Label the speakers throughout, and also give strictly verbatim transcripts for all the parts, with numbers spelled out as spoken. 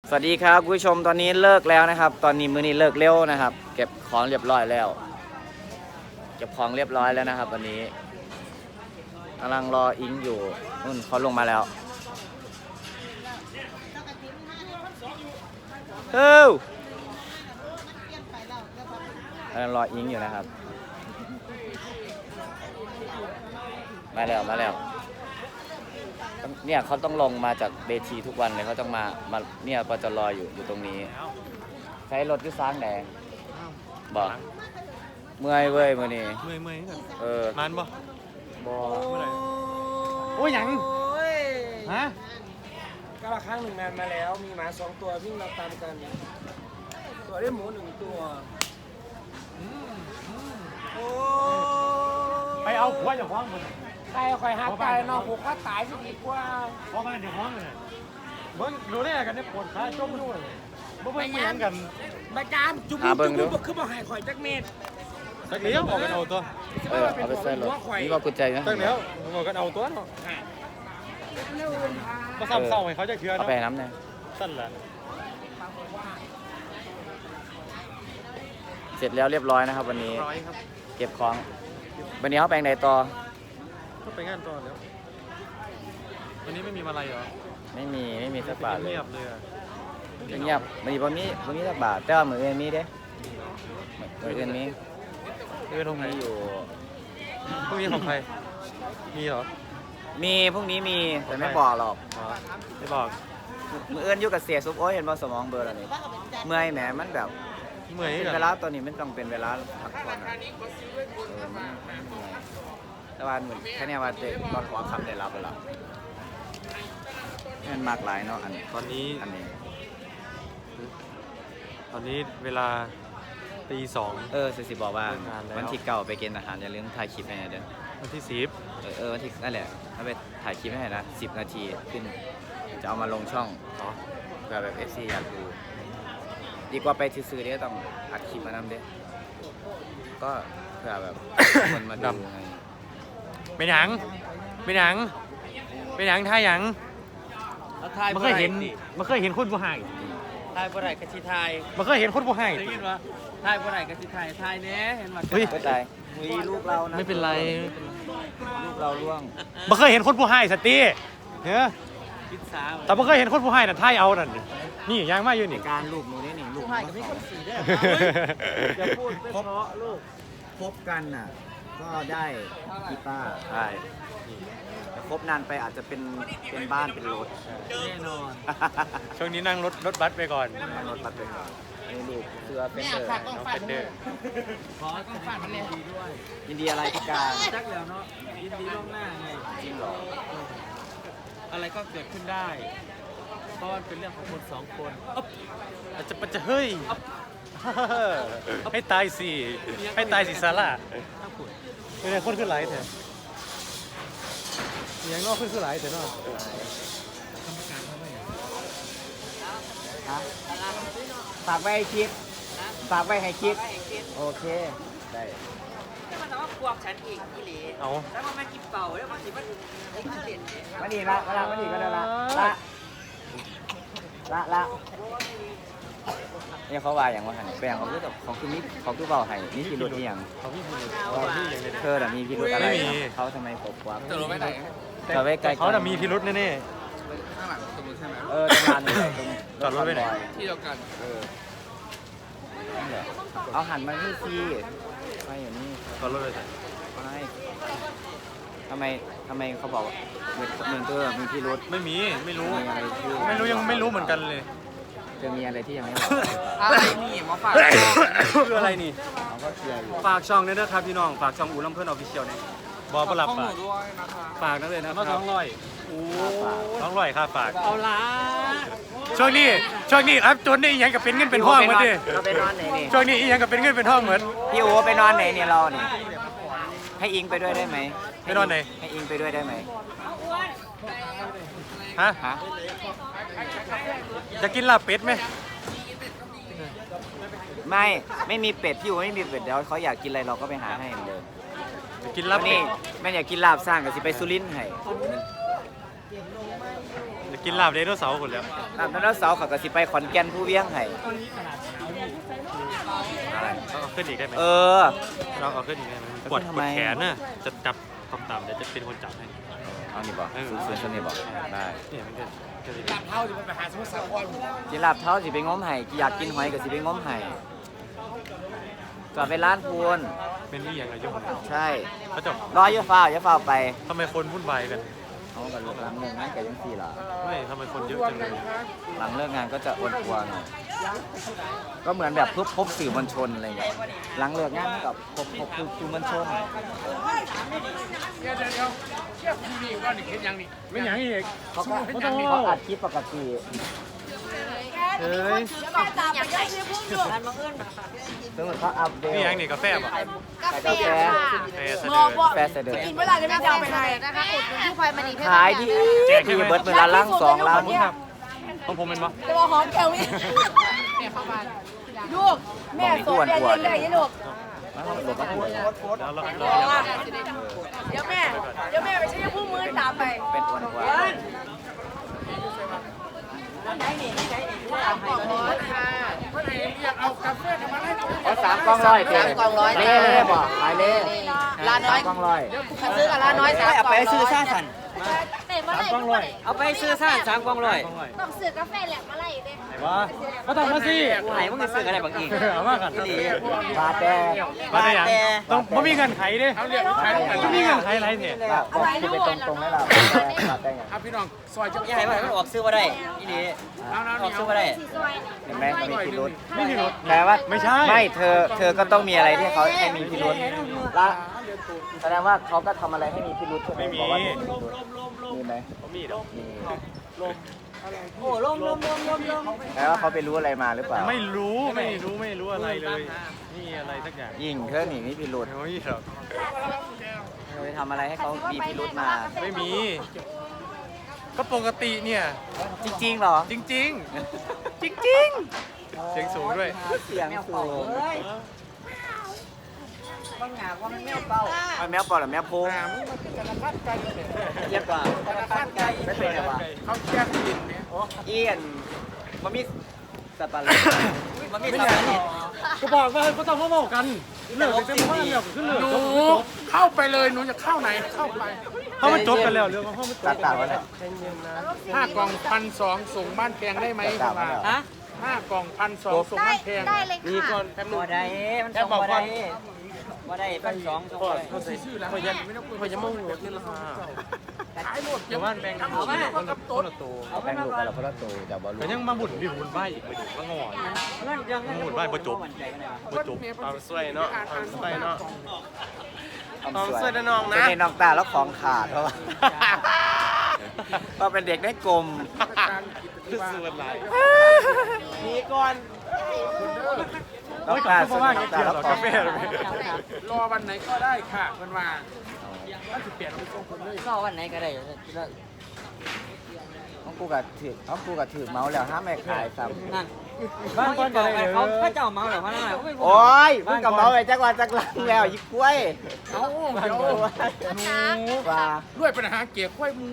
Speaker 1: สวัสดีครับคุณผู้ชมตอนนี้เลิกแล้วนะครับ ตอนนี้มื้อนี้เลิกเร็วนะครับ เก็บของเรียบร้อยแล้ว เก็บของเรียบร้อยแล้วนะครับวันนี้กำลังรออิงอยู่นู่นเขาลงมาแล้วเฮ้ยกำลังรออิงอยู่นะครับมาแล้วมาแล้วเนี่ยเขาต้องลงมาจากเวทีทุกวันเลยเขาต้องมามาเนี่ยปจรอยู่อยู่ตรงนี้ใช้รถที่ซ้างแดงบอกเมื่อยเว้ยมื่อนี้
Speaker 2: เมื่อยเมื่อยกัน
Speaker 1: เออ
Speaker 2: มันบ่
Speaker 1: บอ
Speaker 2: เมื่อไหร่โอ้ยหยังฮะ
Speaker 3: ก็ละครั้งหนึ่งนานมาแล้วมีหมาสองตัววิ่งเราตามกัน ตัวได้หมูหนึ่งตัวโอ้
Speaker 2: ไปเอาหัวอย่าคว้างมัน
Speaker 3: ใครคอยหักตายนอกผูกก็ตายจะดีกว่า
Speaker 2: เพราะมันอย่าคว้างเลยเบิ้งดูได้กันเนี่ยปวดขาจมด้วยบ่เบิ้งไม่ยังกัน
Speaker 3: ใบจามจุบุจุบุคือบ่หายข่อยจักเม็ด
Speaker 2: สักเลี้ยวบอกกันเอาตัว
Speaker 1: เออเอาไปใส่รถนี่ว่ากุญแจนะ
Speaker 2: สักเลี้ยวบอกกันเอาตัวเนาะมาซ้ำเศร้าให้เขาจะเชื่อ
Speaker 1: เอา
Speaker 2: เนาะ
Speaker 1: ไปน้ำเนี่ย
Speaker 2: สั้นแหละ
Speaker 1: เสร็จแล้วเรียบร้อยนะครับ วันนี้
Speaker 2: ร้อยครับ
Speaker 1: เก็บของวันนี้เขาแปลงใดต่อ
Speaker 2: ก็ไปงานต่อแล้ววันนี้ไม่มีอะไรเหรอ
Speaker 1: ไม่มีไม่มีสักบาทเลย
Speaker 2: เงียบเลยอะ
Speaker 1: เงียบมันมีบ่มีบ่มีสักบาทแต่ว่ามืออื่นมีเด้มืออื่นมี
Speaker 2: เออตรงไหน
Speaker 1: มีอยู่
Speaker 2: พวกนี้ของใครมีเหรอ
Speaker 1: มีพรุ่งนี้มีแต่ไม่บอกหรอก
Speaker 2: อ๋อไม่บอก
Speaker 1: มืออื่นอยู่กับเสียซุปโอ้ยเห็นบ่สมองเบลอร์แล้วนี่เมื่อยแหมมันแบบ
Speaker 2: เมื่อย
Speaker 1: เป็น
Speaker 2: กัน
Speaker 1: เวลาตอนนี้มันต้องเป็นเวลาพักผ่อนอะเออมันมันเหนื่อยแต่ว่าเหมือนแค่เนี้ยว่าเด็กตอนหัวคำได้รับแล้วล่ะมันมากหลายเนาะอันนี้
Speaker 2: ตอนนี้
Speaker 1: อันนี้
Speaker 2: ตอนนี้เวลาตีสอง
Speaker 1: เออสิสิบอกว่า
Speaker 2: เลิกงานแล้ว
Speaker 1: วันที่เก้าไปเกณฑ์อาหารอย่าลืมถ่ายคลิปให้หน่อยเด้อ
Speaker 2: วันที่สิบ
Speaker 1: เออเออวันที่นั่นแหละถ้าไปถ่ายคลิปให้หน่อยนะสิบนาทีขึ้นจะเอามาลงช่อง
Speaker 2: อ๋อ
Speaker 1: เพื่อแบบเอฟซีอยากดูดีกว่าไปซื้อๆเด้อต้องอัดคลิปมานำเด้อก็เพื่อแบบ คนมาดูไง
Speaker 2: เป็นหยังเป็นหยังเป็นหยังท่าหยังมันเคยเห็นมันเคยเห็นคนผู้ให้
Speaker 3: ทายบ่ได้กะสิทาย
Speaker 2: มันเคยเห็นคนผู้ให้
Speaker 3: ได้ยินว่าทายบ่ได้กะสิทายทายแน่เห็นว่า
Speaker 2: เฮ้ย
Speaker 1: ไม่ตายมีลูกเรานะ
Speaker 2: ไม่เป็นไร
Speaker 1: ลูกเราล่วง
Speaker 2: มันเคยเห็นคนผู้ให้สติเฮ้ย
Speaker 3: พิซซา
Speaker 2: แต่มันเคยเห็นคนผู้ให้น่ะท่ายเอานั่นนี่ยางมาอยู่นี่
Speaker 1: การลูกหนูนี่นี่ลูก
Speaker 3: ทายกับพี่คนสีได้อย่าพูดไม่เพราะลูก
Speaker 1: คบกันน่ะก็ได้กีตาร์ใช่แต่คบนานไปอาจจะเป็นเป็นบ้านเป็นรถ
Speaker 3: แน่นอน
Speaker 2: ช่วงนี้นั่งรถรถบัสไปก่อน
Speaker 1: รถปัดเป็นก่อนนี่ลูกเสื้อเป็นเดอร์
Speaker 2: น้องเฟนเดอร์
Speaker 3: ขอต้องฟันมันดีด้วย
Speaker 1: ยินดีอะไรพี่การ
Speaker 3: จักแล้วเนาะยินดีล่วงหน้าไง
Speaker 1: จริงเหรอ
Speaker 3: อะไรก็เกิดขึ้นได้ เพราะมันเป็นเรื่องของคนสองคน
Speaker 2: อาจจะปะจะเฮ้ยให้ตายสิให้ตายสิซาร่า
Speaker 3: ถ้าขุด
Speaker 2: เป็นไงคนขึ้นไหลแถวยังนอกขึ้นขึ้นไหลแถวเนาะ
Speaker 1: ฮะฝากไว้ให้คิดฝากไว้ให้คิดโอเคได้
Speaker 4: แต่มันว่าพวกฉันเองอีหลี
Speaker 2: เอา
Speaker 4: แล้วมันมากินเป่าแล้วมันสิมันไอ้เฉลี่ย
Speaker 1: มาดีละมาละมาดีก็ได้ละละละละเนี่ยเขาว่าอย่างว่าหันแปลงเขาคือแบบเขาคือมิเขาคือเบาไห้นี่คือรถที่อย่าง
Speaker 2: เขาพี่พูดเขาพี่อย่างนี้
Speaker 1: เธอแต่มีพิรุธอะไร
Speaker 2: ไม่มี
Speaker 1: เขาทำไมปกความ
Speaker 3: จะรู้ไม่ไหน
Speaker 1: แต่ไว้ไกล
Speaker 2: เขาแต่มีพิรุษแน่
Speaker 3: ข้างหลังตรงนี้ใช่ไหม
Speaker 1: เออตรงลานนี่ตรง
Speaker 2: จอดรถไว้ไหน
Speaker 3: ที่เดียวกัน
Speaker 1: เออนั่นแหละเอาหันมาที่ซีไม่อยู่นี่
Speaker 2: ๆตอนรถเลยแต่
Speaker 1: ไม่ทำไมทำไมเขาบอกว่าเหมือนเหมือนเธอมีพิรุธ
Speaker 2: ไม่มีไม่รู้
Speaker 1: มีอะไรที่
Speaker 2: ไม่รู้ยังไม่รู้เหมือนกันเลย
Speaker 1: จะมีอะไรที่ยังไม่บอก
Speaker 3: อะไรนี่มาฝาก
Speaker 2: คืออะไรนี่
Speaker 1: เขาก็เคลียร์อยู่
Speaker 2: ฝากช่องด้วยนะครับพี่น้องฝากช่องอู่ลำเพื่อนออฟฟิเชียลเนี่ยบอประหลับ
Speaker 3: ข้อ
Speaker 2: ฝา
Speaker 3: มู
Speaker 2: ก
Speaker 3: ลด้วยนะคะ
Speaker 2: ฝากนักเลยนะครับสองร้อยโอ้สองร้อยค่าฝาก
Speaker 3: เอาละ
Speaker 2: ช่วงนี้ช่วงนี้อัพจนนี่ยังกับเป็นเงินเป็นห้องเหมือนดิ
Speaker 1: เราไปนอนไหนนี่
Speaker 2: ช่วงนี้อียังกับเป็นเงินเป็นห้องเหมือน
Speaker 1: พี่โอไปนอนไหนเนี่ยเราเนี่ยให้อิงไปด้วยได้ไหม
Speaker 2: ไปนอนไหน
Speaker 1: ให้อิงไปด้วยได้ไหม
Speaker 2: ฮะ
Speaker 1: ฮะ
Speaker 2: จะกินลาบเป็ดไหม
Speaker 1: ไม่ไม่มีเป็ดพี่โอไม่มีเป็ดเดี๋ยวเขาอยากกินอะไรเราก็ไปหาให้เหมือนเดิม
Speaker 2: จะกินลา
Speaker 1: วั
Speaker 2: บ
Speaker 1: น
Speaker 2: เป็
Speaker 1: นี้
Speaker 2: ด
Speaker 1: แม่อยากกินลาบสร้างกับสิไปสุรินทร์ให้
Speaker 2: จะกินลาบไดโนเสาร์หมดแล้ว
Speaker 1: ตามนั้นเสาร์เขาก็สิไปขอนแก่นผู้เวียงให้
Speaker 2: อะไรต้องเอาขึ้นอีกได้ไหม
Speaker 1: เออ
Speaker 2: เราเอาขึ้นอีกได้ไหมปวดปวดแขนน่ะจะจับต่ำๆเดี๋ยวจะเป็นคนจับให้
Speaker 1: เอานี่บอกศูนย์ศูนย์นี่บอกได้
Speaker 2: เนี่ยมันจะจะดี
Speaker 3: เท่าจะไปหาสมุทรสาคร
Speaker 1: กินลาบเท้าสิไปง้มไห้อยากกินหอยก็สิไปง้มไห้จอดไปร้านพูน
Speaker 2: เป็นนี่อย่างไรยุ่ง
Speaker 1: ใช่
Speaker 2: เขาจะ
Speaker 1: รออย่าฟ้าวอย่าฟ้าวไป
Speaker 2: ทำไมคนวุ่นวายกัน
Speaker 1: เอากันหลังเลิกงานก็ยังสี่ล่ะ
Speaker 2: ไม่ทำไมคนเยอะจังเลย
Speaker 1: หลังเลิกงานก็จะอ้วนกว่าหน่อยก็เหมือนแบบพบพบสื่อมวลชนอะไรอย่างเงี้ยหลังเลิกงานกับพบพบคือสื่อมวลชน
Speaker 3: เดี๋ยวเดี๋ยวเดี๋ยวเชี่ยทีวีก็นี่เห็นยังนี่
Speaker 2: ไม่อย่างนี้อีก
Speaker 1: เขาก็เขาอัดคลิปปกติ
Speaker 2: เฮ้ย
Speaker 4: ร้านบังเอิญ
Speaker 1: ซึ่งเขาอัพเดท
Speaker 2: นี่อย่างนี้กาแฟป่ะ
Speaker 1: ขายกาแฟ
Speaker 2: กาแฟเสน
Speaker 5: มอ
Speaker 2: อ
Speaker 5: บอก
Speaker 1: แฟเสด็จ
Speaker 5: กินเวลาจะไม่จะเอาไปไหนนะคะอุดหนุนที่พลอยมณีเพชร
Speaker 1: ขายดีดีเบิร์ดเป็นละลังสองลัง
Speaker 2: ของผมเป็นปะ
Speaker 5: จะบอกหอมแก้วนี่ลูกแม่สอนแม่เลี้ยงได้ยังลูก
Speaker 1: หลบมาหัว
Speaker 2: แล้วเรา
Speaker 5: บ
Speaker 2: เรา
Speaker 5: อกว่าเดี๋ยวแม่เดี๋ยวแม่ไปใช้ผู้มือตามไป
Speaker 1: เป็นอ้วนกว่าเอาสามกล้องร้อยเต็มเล่เล่บอกขายเล่
Speaker 5: ร้านน้อย
Speaker 1: กล้องร้อย
Speaker 5: ซื้อกับร้านน้อยสาม
Speaker 4: เอาไปซื้อซ่าสัน
Speaker 5: สามกล่องร้อย
Speaker 4: เอาไปซื้อซ่าสามกล่องร้อย
Speaker 5: ต้องซื้อกาแฟแหลกมาไล่เด้
Speaker 2: ว่าก็ต้องมาสิ
Speaker 4: ไหนมึงจะซื้ออะไรบางอีก
Speaker 2: เอามากัน
Speaker 1: ปลาแต่
Speaker 2: มาได้ยังต้องไม่มีเงินไขดิไม่มีเงินไขอะไรเนี่ย
Speaker 1: เอาไปตรงตรงๆให้เราปลาแต่ไง
Speaker 3: ครับพี่น้องซอยเจ้า
Speaker 4: ยังไงวะมันออกซื้อมาได้อีนี่
Speaker 3: เอาเอา
Speaker 4: ออกซื้อมาได้
Speaker 5: สีซอย
Speaker 1: เห็นไหมมีพิรุษ
Speaker 2: ไม่มีรถ
Speaker 1: แปลว่า
Speaker 2: ไม่ใช่
Speaker 1: ไม่เธอเธอก็ต้องมีอะไรที่เขาให้มีพิรุษละแสดงว่าเขาก็ทำอะไรให้มีพิรุษใช่ไหมบอกว่ามีพิรุษมีไหม
Speaker 2: มีดอก
Speaker 1: มี
Speaker 4: โอ้ลมลมลมลมลม
Speaker 1: แปลว่าเขาไปรู้อะไรมาหรือเปล่า
Speaker 2: ไม่รู้ไม่รู้ไม่รู้อะไรเลยนี่อะไรสักอย่าง
Speaker 1: ยิ่งเธอหนีมีพิรุษ
Speaker 2: ไม่หรอก
Speaker 1: เธอไปทำอะไรให้เขามีพิรุษมา
Speaker 2: ไม่มี ก็ปกติเนี่ย
Speaker 1: จริงๆเหรอ
Speaker 2: จริงจริงจริงจริงๆเสียงสูงด้วย
Speaker 1: เสียงสูง
Speaker 4: บางอย่างว่ามันไม่เป่า
Speaker 1: มันแมวปอดหรือแมวโพง
Speaker 4: เรียบกว่า
Speaker 1: ไม่เป็นไงวะ
Speaker 3: เขาแจ้งกินเนี่ย
Speaker 1: เอียนมันมีสปาร์
Speaker 4: มันไม่ทำนี่
Speaker 2: ก็บอกว่าก็ต้องมาบอกกันเลิกจะมาเลิกขึ้นเลิก
Speaker 3: หนูเข้าไปเลยหนูจะเข้าไหนเข้าไป
Speaker 2: เพราะมันจบกันแล้วเรื่องของมันจ
Speaker 1: ตั
Speaker 2: บ
Speaker 1: ดตัดวะเนี่ย
Speaker 3: ห้ากล่องพันสองส่งบ้านแพงได้ไหมคุณว่า
Speaker 4: ฮะ
Speaker 3: ห้ากล่องพันสองส่ง
Speaker 5: ได้
Speaker 3: บ้านแพง
Speaker 5: ได้เลย
Speaker 2: มีก่อ
Speaker 5: ค่ะ
Speaker 2: น
Speaker 4: บ่ได้มันส่งบ่ได้บ่ได้พันสองส่งไป
Speaker 3: ชื่อแล้ว
Speaker 2: พยันพยันมุ่งหัวขึ้นราคา
Speaker 3: ขายหมด
Speaker 2: เดี๋ยวว่าแบ่งกันคนละคนละตัว
Speaker 1: แบ่งลูกกันละคนละตัวแต่บอลลู
Speaker 2: แต่ยังมาบุญดิบุญใบอีกไปดูว่างอน
Speaker 4: เงินยัง
Speaker 2: หมุนบ้านบ่จบ บ่จบเอาสวยเนาะเอาสวยเนาะ
Speaker 1: ต้องสวยนะน้องนะเป็นน้องตาแล้วของขาดเพราะว่าก็เป็นเด็กได้กลม
Speaker 2: คือสวยหลาย
Speaker 1: มีก่อนน้อง
Speaker 2: โอ้ย
Speaker 1: ตา
Speaker 2: ก็
Speaker 1: สวย
Speaker 2: ว่า
Speaker 1: น้อง
Speaker 2: เกี่
Speaker 1: ตา
Speaker 2: ยว
Speaker 1: แล้ว
Speaker 2: กับ
Speaker 1: ข
Speaker 2: กา
Speaker 1: อง
Speaker 2: แฟ
Speaker 1: ขาด
Speaker 2: เลย
Speaker 3: รอวันไหนก็ได้ค่ะเพื่อนว่าถ้าสิเปลี่ยนเป็นทรงผมเลย
Speaker 4: ก็วันไหนก็ได้
Speaker 1: น้องกูกับถือน้องกูกับถือเมาส์แล้วห้ามไม่ขายซ้
Speaker 4: นั่นบ้านคนอะไรเขาพระเจ้าเมาหรือพระนายเขาไม่
Speaker 1: ำโอ้ยมึงกับเมาส์ไปจักวันจักลังแล้วยิ่งกล้วย
Speaker 3: เอาเดี๋ยว
Speaker 1: หนูว่า
Speaker 3: ด้วยปัญหาเกี่ยวกับมู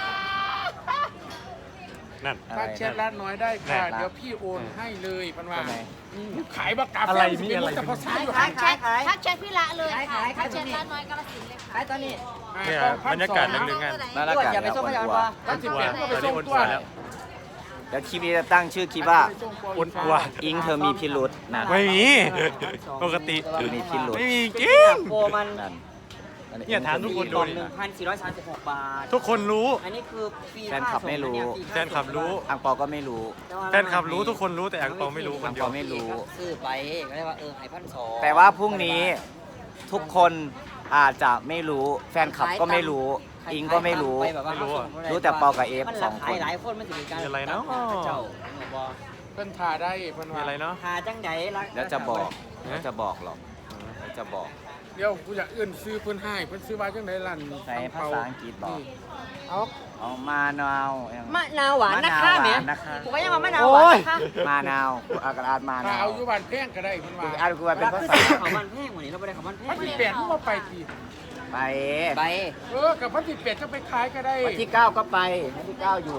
Speaker 2: นั่น
Speaker 3: ถ้าแชทร้านน้อยได้ค่ะ
Speaker 1: แน่
Speaker 3: เดี๋ยวพี่โอนให้เลยเพันว่า
Speaker 1: ทำไม
Speaker 3: ขายบักกา
Speaker 2: อะไรมีอะไร
Speaker 3: แต่ภาษาอยู่
Speaker 5: ทักแชททักแชทพี่ละเลยค่ะทักแชทร้านน้อยกาลสินธุ์เลยค่ะ
Speaker 4: ขายตอนนี้
Speaker 2: เนี่ยบรรยากาศนึงๆงาน
Speaker 1: น่ารักกัน
Speaker 4: อย่าไป
Speaker 1: แล้ว
Speaker 4: ส่งพยา
Speaker 1: อ้
Speaker 4: บา
Speaker 1: ว
Speaker 4: ล
Speaker 3: ถ้าสิเปลี่ยนก็ไป
Speaker 2: ตอน
Speaker 3: ส่
Speaker 2: นี้
Speaker 3: ง
Speaker 2: อ้วน
Speaker 3: ตัว
Speaker 2: แล้ว
Speaker 1: เดี๋ยวคลิปนี้จะตั้งชื่อคลิปว่า
Speaker 2: อ้วนกว่า
Speaker 1: อิงเธอมีพิรุษนะ
Speaker 2: ไม่มีปกติ
Speaker 1: เธอมีพิรุษ
Speaker 2: ไม่มีจริง
Speaker 4: โปรมัน
Speaker 1: นั่นอั
Speaker 2: เนี่ยถามทุกคนดู
Speaker 4: กล่อง
Speaker 2: ดิ
Speaker 4: หนึ่งพันสี่ร้อยสามสิบหกบาท
Speaker 2: ทุกคนรู้
Speaker 4: อันนี้คือฟรี
Speaker 1: แฟนคลับไม่รู้
Speaker 2: แฟนคลับรู้
Speaker 1: อังเปาก็ไม่รู้
Speaker 2: แฟนคลับรู้ทุกคนรู้แต่อังเปาไม่รู้ค
Speaker 1: อั
Speaker 2: น
Speaker 1: ง
Speaker 2: เดีย
Speaker 1: เปาว ไม่รู้
Speaker 4: ซื้อไปก็ได้ว่าเออหายพันสอง
Speaker 1: แต่ว่าพรุ่งนี้ทุกคนอาจจะไม่รู้ แฟนคลับก็ไม่รู้ อิงก็ไม่รู้ รู้แต่เปากับเอฟสองคน
Speaker 4: หลายคนมันถึงการ
Speaker 2: มีอะไรเนาะ
Speaker 4: เจ้าบอก
Speaker 3: เพิ่นทาได้เพิ่น
Speaker 2: มี
Speaker 3: ว่า
Speaker 2: อะไรเนาะ
Speaker 4: หาจังได
Speaker 1: เดี๋ยวจะบอกเดี๋ยวจะบอกหรอกเดี๋ยวจะบอก
Speaker 3: เดี๋ยวกูอยากเอื้อนซื้อเพิ่นให้เพิ่นซื้อว่าจังไดลั่น
Speaker 1: ใช้ภาษาอังกฤษบอก
Speaker 3: เอา
Speaker 1: เอามานาวอย่าง
Speaker 4: มะนาวหวานนะคะแม่
Speaker 1: มะนาวหวานนะคะ
Speaker 4: ผมก็ยังว่ามะนาวหวานนะคะ
Speaker 1: มานาวกูอากาศมา
Speaker 3: ถ้าน
Speaker 1: าว
Speaker 3: เอาอยู่บ้านแพงก็ได้เพิ่นว่า
Speaker 1: อ่านกูว่าเป็นภาษา
Speaker 4: ของมันแพงกว่านี้เราไม่ได้ของมันแพ
Speaker 3: พั
Speaker 4: ง
Speaker 3: นสิเปลี่ยนก็ไปที
Speaker 1: ไป
Speaker 4: ใบ
Speaker 3: เออกับพันสิเปลี่ยนจะไปขายก็ได้
Speaker 1: วันที่เก้าก็ไปวันที่เก้าหยุด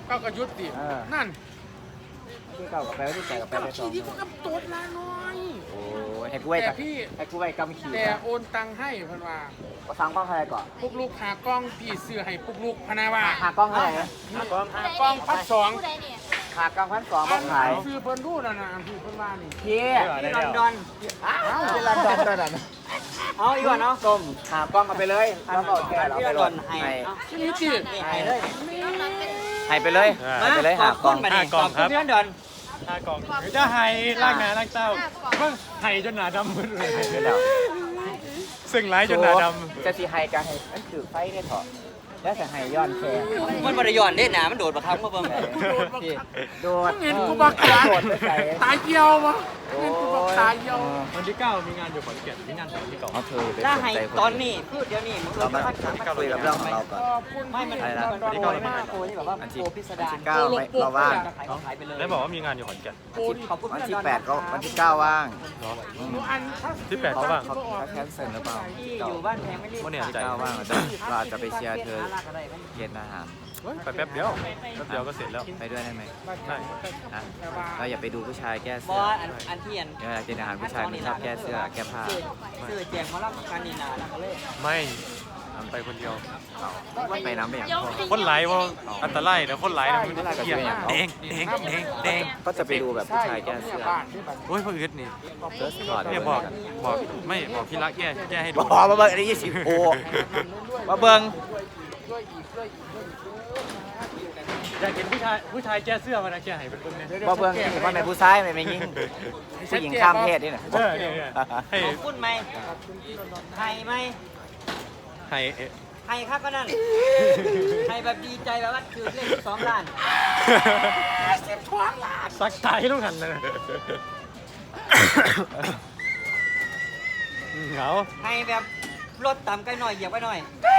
Speaker 3: เก้าก็ยุติ
Speaker 1: เออ
Speaker 3: นั่น
Speaker 1: ที่เก่ากับแปลว่าที่แปลกับแปล
Speaker 3: กับ
Speaker 1: ไปสอ
Speaker 3: ขี่
Speaker 1: ง
Speaker 3: ที่ก็กับตัวละน้อย
Speaker 1: โอ้ยให้กูไว้
Speaker 3: แต่
Speaker 1: กับ
Speaker 3: พี่
Speaker 1: ให้กูไว้กำขี่
Speaker 3: แต่โอนตังค์ให้เพันว่า
Speaker 1: ก็สั่งกล้องอะไรก่อน
Speaker 3: ปุกลูกหากล้องพี่ซื้อให้ปุกลูกพนาว่า
Speaker 1: หากล้องอะไรนะ
Speaker 3: หากล้องหากล้องพันสอง
Speaker 1: หากล้องพันสอง
Speaker 3: อั
Speaker 1: มานขาย
Speaker 3: ซื้อเพิ่นรู้นะนะพี่เพิ่นว่านี่
Speaker 1: พี่
Speaker 4: ที่ลอนดอน
Speaker 1: อ้าวที่ลอนดอนตัวนั้น
Speaker 4: เอาอีกว่าเนาะ
Speaker 1: ส้มหากล้องมาไปเลยแล้วก็แกเราไปลอนให้
Speaker 3: ที่นี่จี
Speaker 4: นี่ให้เลย
Speaker 1: ให้ไปเลยให้ไปเลยหากล้อง
Speaker 4: มาดิขอบคุณพี่ลอนดอน
Speaker 2: ห้ากล่องจะไห้ล่างหน้าล่างเต้าเพิ่งไห้จนหนาดำหมดเลย
Speaker 1: ไปแล้ว
Speaker 2: ซึ่งร้ายจนหนาด
Speaker 1: จะสีไฮกันให้มันถือไฟได้เถอะแล้วจะไฮย้อนแค่
Speaker 4: มันบริยอนเด้หนามันโดดประคับมาเบิ่ง
Speaker 1: โดด
Speaker 3: เห็นกูบักตา
Speaker 1: โดดไปใส่
Speaker 3: ตาเหี่ยวมั้เห็นกูบักตาเหี่ยว
Speaker 2: ำวันที่เก้ามีงานอยู่ขอนแก่นมีงานของที่เก่า
Speaker 1: เอาเธอไป
Speaker 4: ถ้า
Speaker 1: สน
Speaker 4: ให้
Speaker 1: ใจ
Speaker 4: ตอนนี้พูดเดี๋ยวนี้มึง
Speaker 1: เรามา
Speaker 4: พันสาม
Speaker 1: คุยกับเรื่องของเราก่อน
Speaker 3: ขอบคุณ
Speaker 4: ไม่มัน
Speaker 1: อะไรนะ
Speaker 4: ตอนโกยมากโกยที่แบบว่าโกพิสดาร
Speaker 1: เก้าไม่เราว่าง
Speaker 4: ขายขายไปเลย
Speaker 2: แล้วบอกว่ามีงานอยู่ขอนแก่น
Speaker 3: โกดิ
Speaker 4: ขอบคุณ
Speaker 1: วัน
Speaker 4: พี่ล
Speaker 1: ที่
Speaker 4: อนดอน
Speaker 1: แปดก็วันที่เก้าว่าง
Speaker 2: เนาะ
Speaker 3: หนูอันถ้า
Speaker 2: ที่แปดเขาว่าง
Speaker 1: เขาเขาแคนเซิลหรือเปล่า
Speaker 4: ที่อยู่บ้านแพงไม่รีบ
Speaker 2: วันนี้ใจ
Speaker 1: เก้าว่างเราจะเราจะไปเชียร์เธอเย็นอาหาร
Speaker 2: ไปแป๊บเดียวแป๊บเดียวก็เสร็จแล้ว
Speaker 1: ไปด้วยได้ไหม
Speaker 2: ได้
Speaker 1: นะเราอย่าไปดูผู้ชายแก้
Speaker 4: บ
Speaker 1: เสื้
Speaker 4: อ
Speaker 1: อ
Speaker 4: อันอันเทียน
Speaker 1: เวลากินอาหารผู้ชายมันชอบแก้เสื้อแก้ผ้า
Speaker 4: ซื้อแจงมารับการนีนาแล้วก็เลย
Speaker 2: ไม่ทำไปคนเดียว
Speaker 1: ไปน้ำไปอย่างพอ
Speaker 2: คนไหลว่าอันตรายนะคนไหลนะมัน
Speaker 1: คนร้ายกับ
Speaker 2: เกีย
Speaker 1: เสื้ออย่างเขา
Speaker 2: แดงแดงแดงแดง
Speaker 1: ก็จะไปดูแบบผู้ชายแก้เสื้อ
Speaker 2: โอ้ยพ่ออึดนี่
Speaker 1: เสื้อถอด
Speaker 2: เนี่ยบอกบอกไม่บอกพี่รักแก้แก้ให้ดู
Speaker 1: บอกมาเบิ้งอันนี้ยี่สิบโอมาเบิ้ง
Speaker 2: อยากเห็นผู้ชายผู้ชายแก้เสื้อมานะแก้ให้เป็นคนเนี่ย
Speaker 1: มาเบิ้งนี่ว่าเป็นผู้ชายไม่ไม่ยิ่งผู้หญิงข้ามเพศนี่นะ
Speaker 2: เออเนี่ยเนี่ยให้
Speaker 4: ขอบคุณไหมไทยไหม
Speaker 2: ให้เอ๊ะ
Speaker 4: ไทยครับก็นั่นไทยแบบดีใจแบบว่าคือเล่นสองล้าน
Speaker 2: สักตายต้องหันเลยเหงา
Speaker 4: ไทยแบบรถต่ำไปหน่อยเหยียบไปหน่อย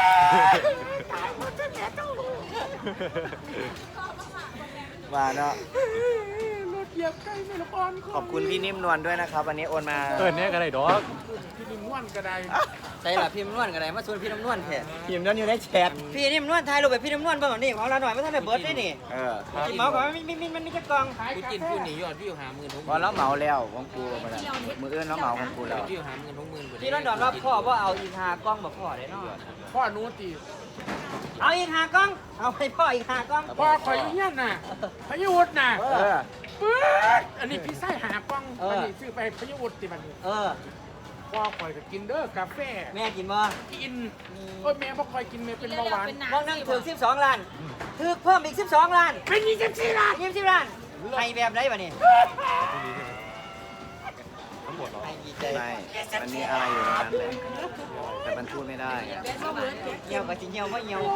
Speaker 1: ว่าเนาะ
Speaker 3: รถเหยียบใกล้ไม่ละอ่อน
Speaker 1: ขอบคุณพี่นิ่มนวลด้วยนะครับ วันนี้โอนมา
Speaker 2: เออเนี่ยก็ได้ดอก
Speaker 3: พี่นิ่มนวลก็ได้
Speaker 4: ใส่ละพี่น้ำนวลกันไหนมาชวนพี่น้ำนวลแท้
Speaker 1: พิมพ์นั้นอยู่ในแชท
Speaker 4: พี่นิ่มนวลไทยรูปแบบพี่น้ำนวลบ้างนี่ของเราหน่อยไม่ทันได้เบิร์ดได้นี่
Speaker 1: เออ
Speaker 4: กินเมาส์ก่อนมันมีมีมันมีจะกอง
Speaker 6: กูกินผู้หนียอดวิวหาหมื่นหกห
Speaker 1: พอ
Speaker 6: มื่น
Speaker 1: แล้วเหมาแล้วของกูมาแล้วมืออื่นแล้วเหมาของกูแล้ว
Speaker 6: วิวหาหมื่นหกหมื่น
Speaker 4: พี่ร้อนดอนว่าพ่อว่าเอาอีกหากล้องแบบพ่อได้เนาะ
Speaker 3: พ่อหนูตี
Speaker 4: เอาอีกหากล้อง เอาให้พ่ออีกหากล้อง
Speaker 3: พ่อคอยอยู่เฮียนน่ะพยวุฒิน่ะ
Speaker 1: เออ
Speaker 3: ปื๊ดอันนี้พี่ไส้หากล้องอันนี้ซื้อไปพยวุฒิติมัน
Speaker 4: เออ
Speaker 3: พ่อคอยก็กินเด้อกาแฟ
Speaker 4: แม่กินบ่
Speaker 3: กินโอ้ยแม่บ่คอยกินแม่เป็นเบาหวาน
Speaker 4: มองนั่งถึงสิบสองล้านถึกเพิ่มอีกสิบสองล้าน
Speaker 3: เป็นยี่สิบสี่ล้าน
Speaker 4: ยี่สิบล้านให้แบบไหนวะนี่
Speaker 2: ทั้งหมดเหรอ
Speaker 4: ให้ดีใจ
Speaker 1: ไม่มันมีอะไรอยู่ในนั้นเลยแต่มันพูดไม่ได้อะ
Speaker 4: เหี่ยวกับสิเหี่ยวว่าเหี่ยว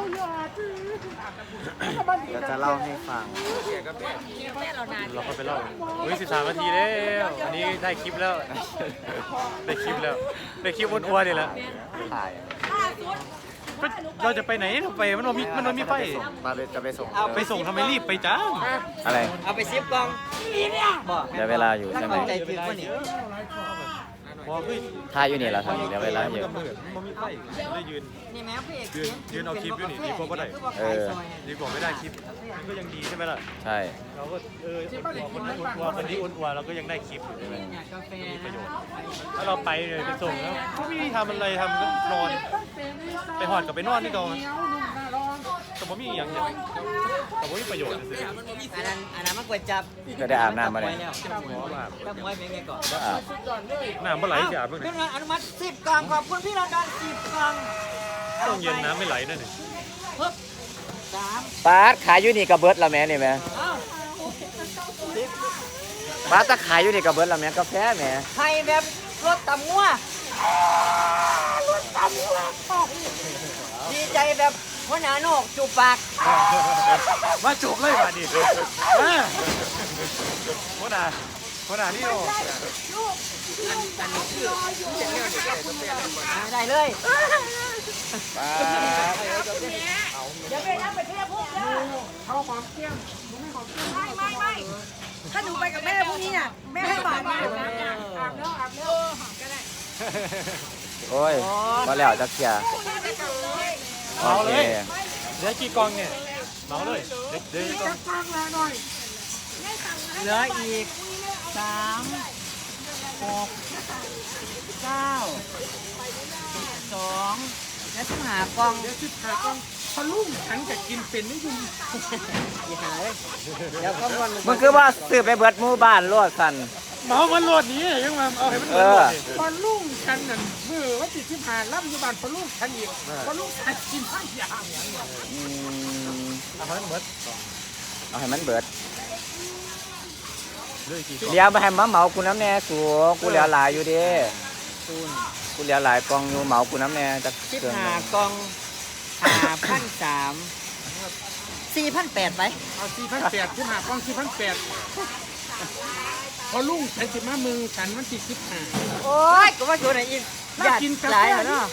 Speaker 1: เดี๋ยวจะเล่าให้ฟัง
Speaker 2: เราก็ไปเล่าเฮ้ยสิบสามนาทีแล้วอันนี้ได้คลิปแล้ว ได้คลิปแล้ว ได้คลิปอ้วนๆนี่แหละ
Speaker 1: ถ่าย
Speaker 2: เราจะไปไหนเราไปมันมีมันมีไฟ
Speaker 1: มาไปจะไปส่ง
Speaker 2: ไปส่งทำไมรีบไปจ้า
Speaker 1: อะไร
Speaker 4: เอาไปซิปกล้องบ่
Speaker 1: เดี๋ยวเวลาอยู่ใช่ไหม
Speaker 4: ใจถึกว่านี่
Speaker 2: พอคือ
Speaker 1: ถ่ายอยู่นี่แหละทำเดี๋ยวเวลาอยู่
Speaker 2: มันมีไฟได้ยืน
Speaker 4: นี่แม่พี่เอก
Speaker 2: ยืนยืนเอาคลิปอยู่นี่ดีกว่าบ่ได้
Speaker 1: เออ
Speaker 2: ดีกว่าไม่ได้คลิปมันก็ยังดีใช่ไหมล่ะ
Speaker 1: ใช่
Speaker 2: เราก็เออคนอ้วนๆคนนี้อ้วนๆเราก็ยังได้คลิปอยู่ใช่ไหม
Speaker 4: อยากกาแฟ
Speaker 2: มีประโยชน์ ถ้าเราไปเลยไปส่งแล้วก็ไม่ได้ทำอะไรทำก็นอน ไปหอดกับไปนอนนี่ก่อนแต่ผมมีอย่างอย่างแต่ผมมีประโยชน์เลย
Speaker 4: อันนั้นอันนั้นมันกวยจับ
Speaker 1: ก็ได้อาบน้ำมาเลย
Speaker 4: ถ้ามวยเป็นไงก่อน
Speaker 1: ก็อาบ
Speaker 2: น้ำเมื่อไหร่จะอาบบ้าง
Speaker 4: เรื่
Speaker 2: เนี่
Speaker 4: อย งอนุมัติสิบกล่องขอบคุณพี่ลอนดอนสิบกล่อง
Speaker 2: ต้องเย็นน้ำไม่ไหลด้วยนี่
Speaker 4: ปึ๊บสาม
Speaker 1: ปาดขายอยู่นี่กับเบิร์ดละแม่นี่แม่
Speaker 4: เอ้า
Speaker 1: ปาดตะขายอยู่นี่กับเบิร์ดละแม่กาแฟแม่
Speaker 4: ไทยแบบรถตำงัวรถตำงัวดีใจแบบหัวหน้าโหนกจูบปาก
Speaker 2: มาจูบเลยมาดิมาโคนาโคนานี่โอ้
Speaker 4: ได้เลย
Speaker 1: ปาด
Speaker 5: เดี๋ยวไปนะไปเที่ยวพวกเด้อ
Speaker 3: เขาหอมเกี้ยมหนูไม่หอมเกี้ยม
Speaker 5: ไม่ไม่ไม่ถ้าหนูไปกับแม่พรุ่งนี้น่ะแม่ให้บาทมา
Speaker 3: อาบแล้วอาบแล้วอาบแล้ว
Speaker 1: โอ้ยพอแล้วจะเคลียร์โอเค
Speaker 2: เหลือกี่กองเนี่ยเมาเลยเด็กเด็ก
Speaker 3: จักฟังแล้วหน่อย
Speaker 4: เหลืออีกสามหกเก้าสิบสองและสิบห้ากล่อง
Speaker 3: เดี๋ยวสิพากล้องพอลุ่มฉันจะกินเป็นไม่ยุ่ง
Speaker 4: อีหาเลยเดี๋ยวก็วัน
Speaker 1: มึงคือว่าซื้อไปเบิดหมู่บ้านโลดสัน
Speaker 2: เมามันโหลดนี้ยังมาเอาให้มันโหลด
Speaker 3: พอลุ่มฉันนั่นมือว่าติดที่ผ่านรับอยู่บ้านพอลุ่มฉันอีกพอลุ่มฉันกินข้าวอย่าง
Speaker 1: อืม
Speaker 2: เอาให้มันเบิด
Speaker 1: เอาให้มันเบิด
Speaker 2: เลยกี่
Speaker 1: เลี้ยวไปให้มาเหมากูน้ำแน่สูกูเหลือหลายอยู่เดิ
Speaker 4: ศูนย์
Speaker 1: กูเหลือหลายกล่องอยู่เหมากูน้ำแน่จะ
Speaker 4: สิบ
Speaker 1: เกิน
Speaker 4: ห้ากล่องห้าพันสามสี่พันแปดไป
Speaker 3: เอาสี่พันแปดที่ผ่ากล้องสี่พันแปดพอลุ่มฉันสิมามึงฉันมันติดสิบห้า
Speaker 4: โอ้ยก็ว่าอยู่ไหนอีก
Speaker 3: น่ากินกาแฟ
Speaker 4: หลายแล้วเนาะ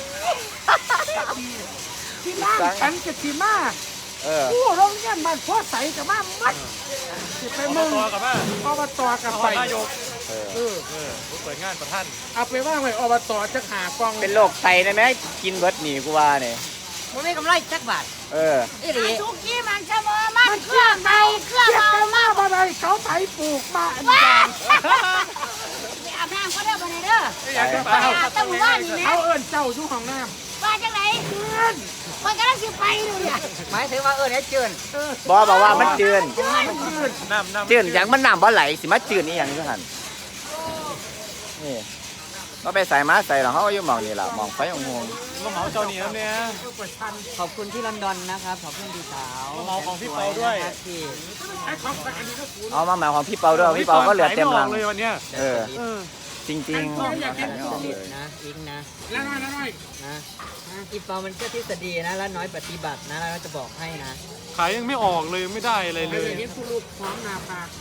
Speaker 3: ที่บ้านฉันจะที่มา
Speaker 1: เออ
Speaker 3: ผู้โรงเรียนบ้านพ่อใสกับมามัดสิไป
Speaker 2: เอา
Speaker 3: มึง
Speaker 2: ต่อกับว่า
Speaker 3: อบตกับ
Speaker 2: เอา
Speaker 3: ไป
Speaker 2: นายก
Speaker 1: เออ
Speaker 3: เออ
Speaker 2: เออเปิดงานประท่าน
Speaker 3: เอาไปว่างไว้อบตจะหากอง
Speaker 1: เป็นโรคไตได้ไหมกินเบิดหนีกูว่าเนี่ย
Speaker 4: มันไม่กำไรจักบาท
Speaker 1: เออ
Speaker 4: อีหลี
Speaker 5: สุกี้มันจะมามันเครื่องเมาเครื่อง
Speaker 3: เก็บ
Speaker 5: เมา
Speaker 3: กันมาบ่ได้เขาไถปลูกมาอันนี้
Speaker 5: ไปอาบน้ำก็ได้บ่ได้เด้อ
Speaker 2: อยากจะ
Speaker 5: ไป
Speaker 2: เปล่า
Speaker 5: อาบตั้งบ้านนี่แหละ
Speaker 3: เขาเอิ้นเจ้าอยู่ห้องน้
Speaker 5: ว่าจังไหนเพื่อนมันก็ต้องสิไปดูเนี่ย
Speaker 4: หมายถึงว่าเออเนี่ยเจิน
Speaker 3: ำเออบ
Speaker 1: อบอกว่ามันจืน
Speaker 3: มันยืน
Speaker 2: น้ำน้ำ
Speaker 1: จืนอย่างมันน้ำบ่ไหลสิมาจืนนี่อย่างนี้หันนี่ก็ไปใส่มาใส่หรอกเขาก็อยู่หมองนี่แหละหมองไฟของงง
Speaker 2: มาเหมาเจ้าเหนียวเนี่ย
Speaker 4: ขอบคุณที่ลอนดอนนะครับขอบคุณพี่สาว
Speaker 2: เมาของพี่เปาด้วย
Speaker 4: นะครับที่
Speaker 3: ไอ้ของอันนี้ก็สู
Speaker 1: เอามาหมายของพี่เปาด้วยพี่เปาก็เหลือเต็มหลัง
Speaker 2: เลยวันเนี้ย
Speaker 1: เออ
Speaker 2: เออ
Speaker 1: จริงๆเอาขายไม่ออก
Speaker 4: ผ
Speaker 1: เล
Speaker 4: ลิต
Speaker 1: ย
Speaker 4: นะอิงนะ
Speaker 3: แล้วน้อยแล้วน้อย
Speaker 4: นะอีเปามันก็ทฤษฎีนะแล้วน้อยปฏิบัตินะแล้วจะบอกให้นะ
Speaker 2: ขายยังไม่ออกเลยไม่ได้อะไร
Speaker 3: เล
Speaker 2: เลย ย
Speaker 3: เห็นผู้ลูกพร้อมนาปาก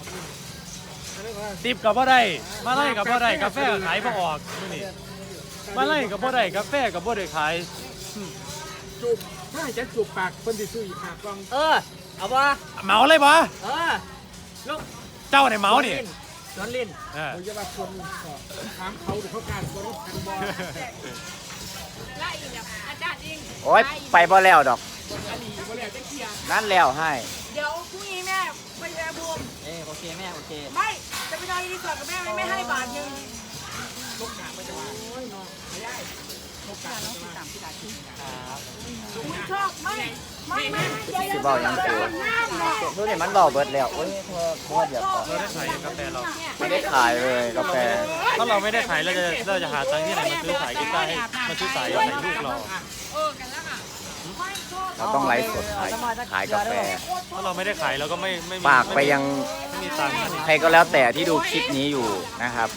Speaker 2: ติบกับบ่ได้มาไล่กับบ่ได้กาแฟขายบ่ออกนี่มาไล่กับบ่ได้กาแฟกับบ่ได้ขาย
Speaker 3: จูบถ้าจะจูบปากคนที่ซื้ออีกหากอง
Speaker 4: เออเอาวะ
Speaker 2: เหมาเลยบ่
Speaker 4: เออลูก
Speaker 2: เจ้าไหนเหมานี่
Speaker 4: สวนลิน
Speaker 2: เออ
Speaker 3: เขาจะว่าคนก็ถามเขาหรือเขาการคนรถคันบอล
Speaker 5: ไล่อีกแบบอาจารย์เอง
Speaker 1: โอ๊ยไปบ่แล้วดอก
Speaker 3: อันนี้ก็แล้วจะเคลียร์
Speaker 1: นั่นแล้วให้
Speaker 5: เดี๋ยวพรุ่งนี้แม่ไปแย่บูม
Speaker 4: เออโอเคแม่โอเค
Speaker 5: ไม่จะไปนอนรีสอร์ทกับแม่ไม่ไม่ให้บาทหนึง
Speaker 3: ลูกหนาไปจะว่าโอ้ยน้องไม่ได้ลูกหนาต้องติดตามที่ร้านที่
Speaker 5: ผมชอบไม่ไม่ไม่ไม่
Speaker 1: สิเบายังสู
Speaker 5: น้ำเนาะ
Speaker 1: ดูนี่มันเบาเบิดแล้วโอ้ยโทษโทษอย่าขอ
Speaker 2: เราได้ขายกาแฟเรา
Speaker 1: ไม่ได้ขายเลยกาแฟ
Speaker 2: ถ้าเราไม่ได้ขายเราจะเราจะหาตังค์ที่ไหนมาซื้อสายกีตาร์ให้มาซื้อสายให้ลูกเรา
Speaker 5: เออกันแล้วค่ะไม่ชอบ
Speaker 1: เราต้องไลฟ์สดขายขายกาแฟ
Speaker 2: ถ้าเราไม่ได้ขายเราก็ไม่ไม่มี
Speaker 1: ฝากไปยัง
Speaker 2: ไม่มีตังค์นะ
Speaker 1: ใครก็แล้วแต่ที่ดูคลิปนี้อยู่นะครับ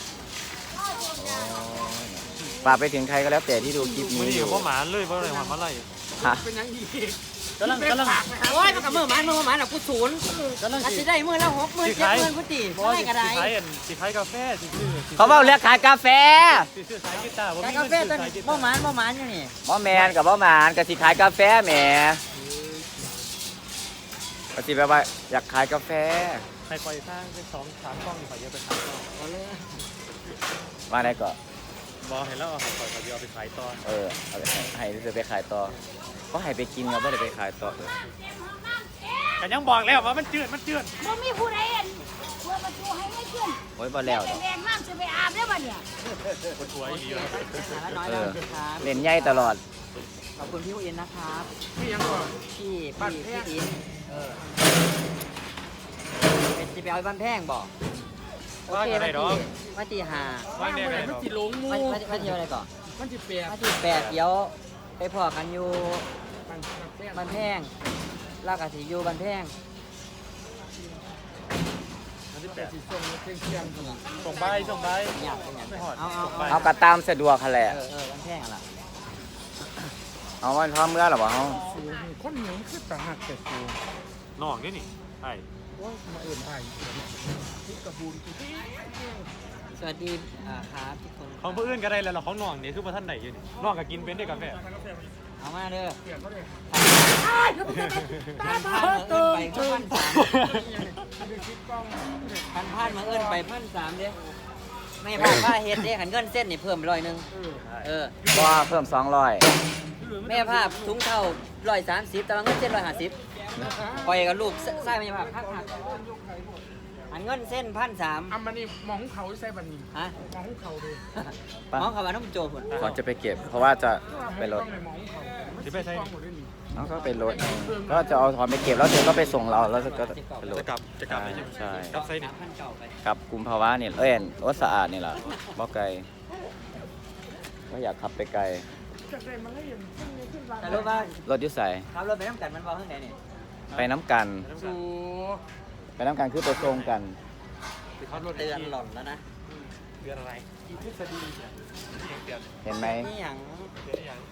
Speaker 1: ฝากไปถึงใครก็แล้วแต่ที่ดูคลิป
Speaker 2: มัน
Speaker 1: นี้
Speaker 2: อ
Speaker 1: อยู่ ยู่
Speaker 2: เพราะหมาเลยเพราะอะไรหมามาไล่
Speaker 1: ฮะ
Speaker 3: เป็นยังดี
Speaker 2: กำลังกำลัง
Speaker 4: โอ้ยมันกับมือหมันมือหมันอ่ะกูศูนย์
Speaker 2: กำลัง
Speaker 4: อาจ
Speaker 2: สิ
Speaker 4: จะได้มือละหกหมื่น
Speaker 2: สิ
Speaker 4: เจ็ด
Speaker 2: ขาย
Speaker 4: หมื่นกูตี
Speaker 2: เพราะว่า
Speaker 4: ไม่
Speaker 2: สิ
Speaker 4: กระไร
Speaker 2: ขายอันสิขายกาแฟสิซื้อ
Speaker 1: เขาบอกเรียกขายกาแฟ
Speaker 2: สิซื้อสายกีตาร์ผม
Speaker 4: แต่
Speaker 2: มี
Speaker 4: กา
Speaker 2: เงิน
Speaker 4: แฟ
Speaker 2: ซื้อ
Speaker 4: ตัว
Speaker 2: สาย
Speaker 4: นี้
Speaker 2: กี
Speaker 4: บ่
Speaker 2: ตาร์
Speaker 4: หมันบ่หมันอยู่นี่
Speaker 1: บ่แมนกับบ่หมานกับสิขายกาแฟแหมก็สิแบบว่าอยากขายกาแฟ
Speaker 2: ใครปล่อยสร้างเป็นสองสามกล้องนี่ขอเยอะไปขายต่อ
Speaker 4: เอาเลย
Speaker 1: มาได้ก็
Speaker 2: บอกเห็นแล้วเอาขอขอเยอะไปขายต่อ
Speaker 1: เออเอาไปให้ให้จะไปขายต่อก็ให้ไปกินครับไม่ได้ไปขายต่อเลย
Speaker 2: แต่ยังบอกแล้วว่ามันจืดมันจืด
Speaker 5: บ่มีผู้ใดเห็นเพื่อมาชูให้ไม่ขึ้น
Speaker 1: โอ้ยบ่แล้วดอก
Speaker 5: แรงมากจะไปอาบได้ป่ะเนี่ย
Speaker 2: ปวดหัวอีกเยอะ
Speaker 4: หาละน้อย
Speaker 1: เอ
Speaker 4: แล้ว
Speaker 1: อ
Speaker 4: ครับ
Speaker 1: เล่นใหญ่ตลอด
Speaker 4: ขอบคุณพี่อินนะครับ
Speaker 3: พี่ยังก่อน
Speaker 4: พี่พี่พี่อินเออเป็นจะไปเอาบ้านแพงบอกโอ
Speaker 2: ว่า
Speaker 4: เค
Speaker 2: ไง
Speaker 4: มา
Speaker 2: ด
Speaker 4: ตี
Speaker 2: อก
Speaker 4: มาตีห้า
Speaker 2: ว่าไง
Speaker 3: มัน
Speaker 2: ดอก
Speaker 3: จิหลงมู
Speaker 4: มามามาเที่ยวอะไรก่อน
Speaker 3: มันจิเปียก
Speaker 4: มาที่แปดเดี๋ยวไปพอกันอยู่
Speaker 3: มันแป้ง
Speaker 4: บ้านแพงลากาสิอยู่บ้านแพง
Speaker 3: แต่สีส้มเที่ยงเที่ยง
Speaker 2: ส่งใบส่งใบ
Speaker 4: อยากเป็นอย่าง
Speaker 2: ไม่หอด
Speaker 4: เอาเอา
Speaker 2: ส่งใบ
Speaker 1: เอากระตามสะดวกค่ะแหละ
Speaker 4: เออเออบ้านแพงอะไร
Speaker 1: เอาวันพร้อมเมื่อหรอเปล่าเฮา
Speaker 3: สูงคนเหนียวคือตาหักแต่สูง
Speaker 2: นอกนี่นี่ใช่
Speaker 3: โอ้ยมาเอื่นไอ้ที่กระบูนที่
Speaker 4: สวัสดีอ่าครับทุกคน
Speaker 2: ของผู้อื่นก็ได้แล้วเราของนองนี่คือประท่านไหนอยู่นี่นอกก็กินเป็นด้วยกาแฟ
Speaker 4: เอามาเด้อ
Speaker 3: เปียกก็เลย
Speaker 4: พันพันมาเอิ้นไปพันสามพันพันมาเอิ้นไปพันสามเด้ไม่พลาดว่าเฮ็ดเด้ขันเงินเส้นนี่เพิ่มไปร้อยหนึงเออ
Speaker 1: บ่เพิ่มสองร้อย
Speaker 3: ล
Speaker 4: แม่ภาพถุงเท่าร้อยสามสิบแต่ว่าเงินเส้นร้อยห้าสิบปล่อยกับลูกใส่แม่ภาพหักหักอันเงินเส้นพันสาม
Speaker 3: อันมันนี่มองเขาใส่บันนี้
Speaker 4: ฮะ
Speaker 3: มองเขาดู
Speaker 4: มองเขาว่าน้องโจผล
Speaker 1: ก่อนจะไปเก็บ เพราะว่าจะไปรถ
Speaker 3: มองเขา
Speaker 2: จะไปใช้
Speaker 1: น้องก็ไปรถก็จะเอาถอนไปเก็บแล้วเธอก็ไปส่งเราแล้วก็ไปรถ
Speaker 2: จะกลับจะกลับไปใช่ไหม
Speaker 1: ใช่
Speaker 2: กลับไซนี่
Speaker 4: พันเก่าไป
Speaker 1: กับกุมภาวะเนี่ยเอ้ยรถสะอาดนี่แหละบ่ไกลก็อยากขับไปไกล
Speaker 4: แต่รู้ว่าร
Speaker 1: ถอยุ่ใส่
Speaker 4: ขับรถไปน้ำกันมันบอกข้างไหนนี่
Speaker 1: ไปน้ำกัน
Speaker 3: สู
Speaker 1: ไปน้ำกันคือไปส่งกัน
Speaker 2: เขารถ
Speaker 4: เตือนหล่อนแล้วนะ
Speaker 2: เดือนอะไร
Speaker 3: อีทฤษฎี
Speaker 2: เดือน
Speaker 1: เห็นไหม
Speaker 4: นี่หยัง
Speaker 2: เดือนอย่าง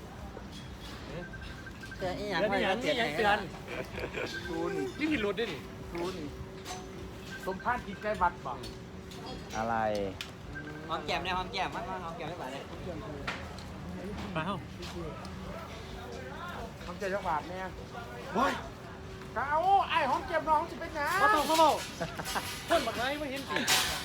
Speaker 4: เตือนนี่หยัง
Speaker 2: เดือน
Speaker 4: ไม่
Speaker 2: อย่าง
Speaker 4: เตื
Speaker 2: นี่
Speaker 4: อน
Speaker 2: ยัง
Speaker 4: ไหน
Speaker 2: เตือน
Speaker 3: ศูนย์
Speaker 2: นี่ผิดรถด้วยนี่
Speaker 3: ศูนย์สมพานกินใกล้วัดบัง
Speaker 1: อะไร
Speaker 4: หอมแก้มเนี่ยหอมแก้มมันหอมแก้มไม่ไหวเลย
Speaker 2: มาเฮ้า
Speaker 3: ทำใจจังหวัดเนี่ยเฮ้ยก็เอาไอ้ห้องเก็บน้องจะเป็นไง
Speaker 2: มาต้องเขาเมาคนบักไรไม่เห็นสิ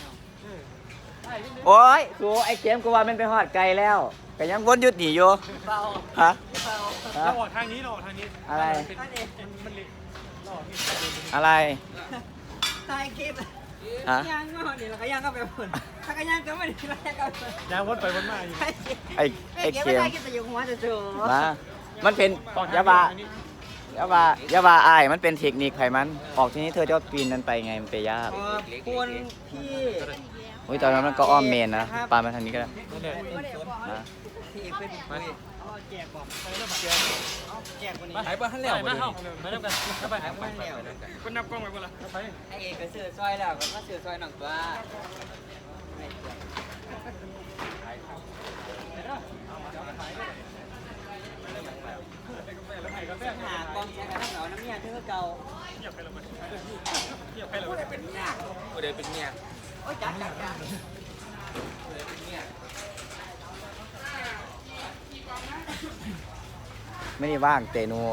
Speaker 1: โอ้ยสูไอ้เกมกูว่ามันไปหอดไกลแล้วก็ยังวนหยุดหนีอยู่
Speaker 4: เบา
Speaker 1: ฮะ
Speaker 4: เบา
Speaker 1: ฮะ
Speaker 2: เราออกทางนี้เราออกทางนี้
Speaker 1: อะไร
Speaker 2: มันมันเละเราออกนี่
Speaker 1: อะไร
Speaker 4: ตายคลิป
Speaker 1: ฮะ
Speaker 4: ย่างก็เดี๋ยวเราก็ย่างก็ไปผลถ้าก็ย่างก็ไม่ได้ไม่ได้ก็
Speaker 2: ยางวนไปวนมาอยู่
Speaker 1: ไอ้ไอ้
Speaker 4: เก็บ
Speaker 1: เก
Speaker 4: ไม่
Speaker 1: ม
Speaker 4: ได้กินแต่อยู่หัวจะเจอ
Speaker 1: มามันเป็นยาบา อย่าว่าอย่าว่าอายมันเป็นเทคนิคไขมัน ออกทีนี้เธอจะปีนนั้นไปไงมันไปยาก
Speaker 4: ขอบคุณพี่
Speaker 1: โอ้ยตอนนั้นมันก็อ้อมเมนนะปามาทางนี้ก็ได้
Speaker 2: นั่นแหละ
Speaker 1: นะ
Speaker 4: พี่เป็นคุยเอาแจกบอกแจกคนนี้
Speaker 2: หายไปหันแล้วมาเฮ้ามาเริ่มกันเข้าไป
Speaker 4: หายไปแล้ว
Speaker 3: คนนับกล้องไว้บ่ล่ะ
Speaker 2: ไป
Speaker 4: ไอเอกก็ซื้อซอยแล้วก็มาซื้อซอยหนังตัวหากองแชร์กันทั้งเหล่าน้ำเมียเธอเก่า
Speaker 2: เงียบไปแล้วเงียบไปแล้ว
Speaker 4: โอ้ยเป็นเมีย
Speaker 6: ผู้ใดเป็นเมีย
Speaker 4: โอ้ยจัดจัดจัด
Speaker 1: ไม่ได้ว่างเตนู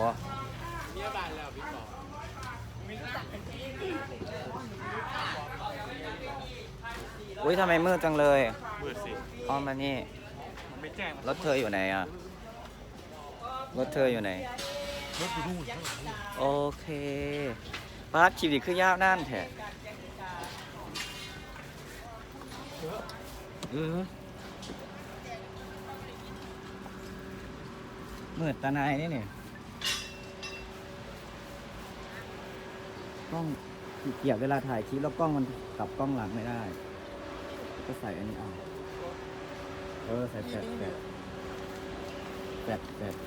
Speaker 1: อุ้ยทำไมมืดจังเลย
Speaker 2: มืดสิ
Speaker 1: อ้อมมานี่
Speaker 2: มันไม่แจ้ง
Speaker 1: รถเธออยู่ไหนอ่ะ รถเธออยู่ไหน
Speaker 2: รถอยู่นู่น
Speaker 1: โอเคปาร์คชีวิตคือยาวนั่นแท้เออมืดตาหนายนี่นี่กล้องขี้เกียจเวลาถ่ายคลิปแล้วกล้องมันกลับกล้องหลังไม่ได้ ก็ใส่อันนี้เอาเออใส่แฟลชแฟลชแฟลชแฟลช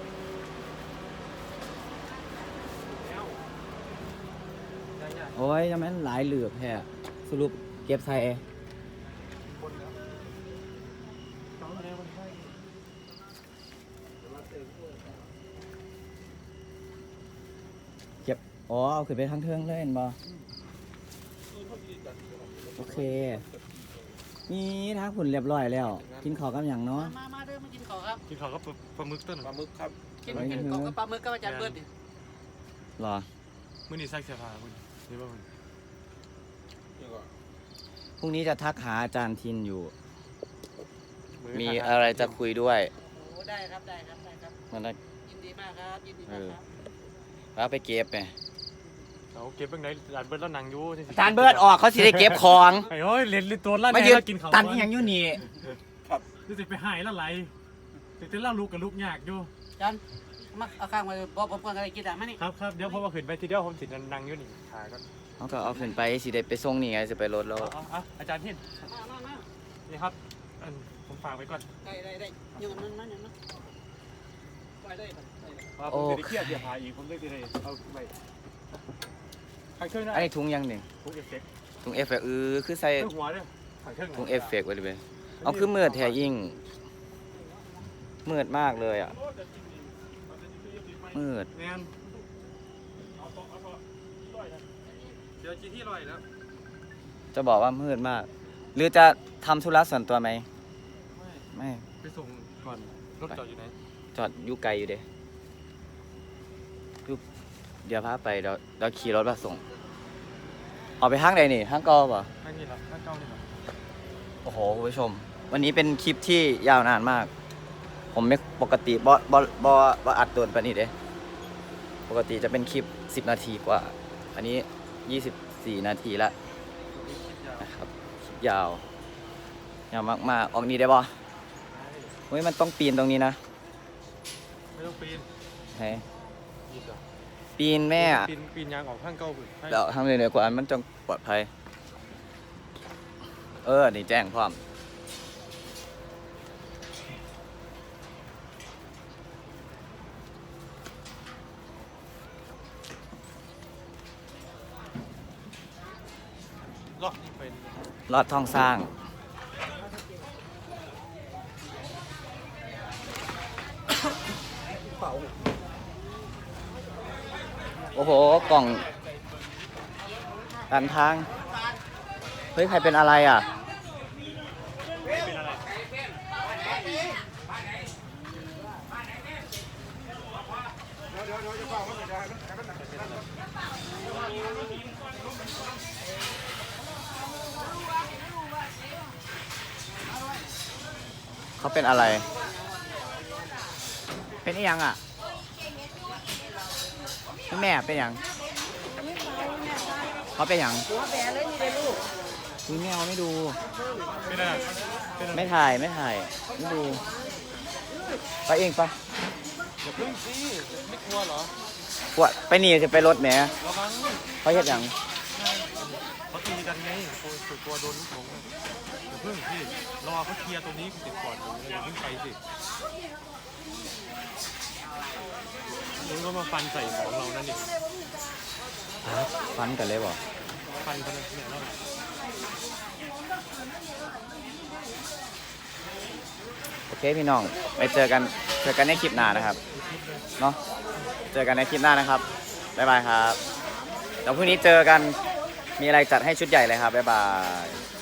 Speaker 1: โอ้ยยังไม่หลายเหลือบแท้สรุปเก็บใส่เก็บอ๋อเอาขึ้นไปทั้งเทิงเลยเห็นบ่โอเคนี่ทางผุนเรียบร้อยแล้ว กินข้าวกับอย่างเนาะ
Speaker 5: มามาเด้อมากินข้าวครับ
Speaker 2: กินข้าวก็ปลาหมึกต้น
Speaker 6: ปลาหมึกครับ
Speaker 5: กินกินข้าวกับปลาหมึกกับอาจารย์เบิร์ดดิ
Speaker 1: หรอ
Speaker 2: มื้อนี้ใส่เสื้อผ้าคุณนี่บ่คุณ
Speaker 6: นี่ก็
Speaker 1: พรุ่งนี้จะทักหาอาจารย์ทินอยู่ มีอะไรจะคุยด้วย
Speaker 5: โอ้ได้ครับได้ครับได้ครับ
Speaker 1: มันนะ
Speaker 5: ยินดีมากครับยินดีมากครับ
Speaker 1: แล้วไปเก็บไง
Speaker 2: เอาเก็บเบิ่งไหนอาจารย์เบิร์ดแล้วนั่งอยู่
Speaker 1: อาจารย์เบิร์ดออกเขาสิได้เก็บของ
Speaker 2: ไอ้โอ้ยเล่นเล่นตัวลั่น
Speaker 1: มา
Speaker 2: แน่
Speaker 1: ยืน
Speaker 2: แล้วกินข้าว
Speaker 1: ตันอหย่างอยู่นี่
Speaker 2: รู้สึกไปหายแล้วไหลแต่แต่เล่าลูกกับลูกยากอยู่
Speaker 5: อาจารย์มาเอาข้างมาบอกผมก่อนอะไรกินอ่ะมานี่
Speaker 2: ครับครับเดี๋ยวพอมาขึ้นไปทีเดียวผมสินั่งอยู่นี่ขาก่อน
Speaker 1: เขาก็เอาขึ้นไปสิได้ไปส่งนี่ไงจะไปรถแล้ว
Speaker 2: เอาเอาเอาอาจารย์ทิน
Speaker 5: มามามา
Speaker 2: นี่ครับอันผมฝากไว้ก่อน
Speaker 5: ได้ได้ได้อยังนั้นนั่นนั่นนั่นไปได้ครับได้ได้
Speaker 2: ว่าผมจะได้เครียดเดี๋ยวหาอีกผมเลยจะได้เอาไปใครเครื่องได้
Speaker 1: อันนี้ถุงยังหนึ่ง
Speaker 2: ทุกเอฟเฟกต์
Speaker 1: ถุงเอฟเฟกต์เออคือใส่
Speaker 2: เครื่องหัวเนี่ยใครเครื่อง
Speaker 1: ถุงเอฟเฟกต์ไว้เลยเอาคือมืดแท้ยิ่งมืดมากเลยอ่ะมืด
Speaker 2: แนนเดี๋ยวจีที่ลอยแล้ว
Speaker 1: จะบอกว่ามืดมาก หรือจะทำธุระส่วนตัวไหมไม่
Speaker 2: ไปส่งก่อนรถจอดอยู่ไหน
Speaker 1: จอดอยู่ไกลอยู่เด้อยู่เดี๋ยวพาไปเดี๋ยวเดี๋ยวขี่รถมาส่งออกไปห้างใดนี่ห้างกอป่ะ
Speaker 2: ข้างนี้เหรอข้างเก้านี่เหรอ
Speaker 1: โอ้โหคุณผู้ชม วันนี้เป็นคลิปที่ยาวนานมากผมไม่ปกติบอบอบอบออัดตัวแบบนี้เด้ปกติจะเป็นคลิปสิบนาทีกว่า อันนี้ยี่สิบสี่นาทีละนะครับคลิปยาวยาวมากๆออกนี้ได้บ่เฮ้ยมันต้องปีนตรงนี้นะ
Speaker 2: ไม่ต้องปีน
Speaker 1: ให้
Speaker 2: อีกเหรอ
Speaker 1: ปีนแม่อะ
Speaker 2: ปีนปีนยางออกข้างเก้าพุ่นให้
Speaker 1: เดี๋ยวทำเลยเหนือกว่าอันมันจงปลอดภัย เออ นี่แจ้งพร้อม
Speaker 2: เลาะนี่เป็น
Speaker 1: ลอดท้องสร้าง โอ้โห กล่องการทาง เฮ้ย ใครเป็นอะไรอ่ะ
Speaker 2: เป็นอะไร
Speaker 1: เขาเป็นอะไร เป็นอีหยังอ่ะพี่แม่เป็นหยัง เขาเป็นหยัง
Speaker 5: หัวแบะเลยนี่เลยลูก
Speaker 1: พี่แม่เอาไม่ดู
Speaker 2: เป็นอะไรเป็นอะไร
Speaker 1: ไม่ถ่าย ไม่ถ่าย ไม่ดู ไปเองปะ
Speaker 2: อย่าพึ่งสิไม่กลัวเหรอ
Speaker 1: ปวดไปหนีจะไปรถแหม
Speaker 2: ระวัง
Speaker 1: เขาเฮ็ดหยัง
Speaker 2: เขาตีกันไงโอ้ยกลัวโดนลูกหลงอะอย่าพึ่งพี่รอเขาเคลียร์ตรงนี้ติดก่อนเลยอย่าเพิ่งไปสิมึงก็มาฟันใส่ของเรานั่นดิ
Speaker 1: ฟันกันเลยบ่
Speaker 2: ฟันกันเนี่ยแล้ว
Speaker 1: โอเคพี่น้องไปเจอกันเจอกันในคลิปหน้านะครับเนาะเจอกันในคลิปหน้านะครับบ๊ายบายครับเดี๋ยวพรุ่งนี้เจอกันมีอะไรจัดให้ชุดใหญ่เลยครับบ๊ายบาย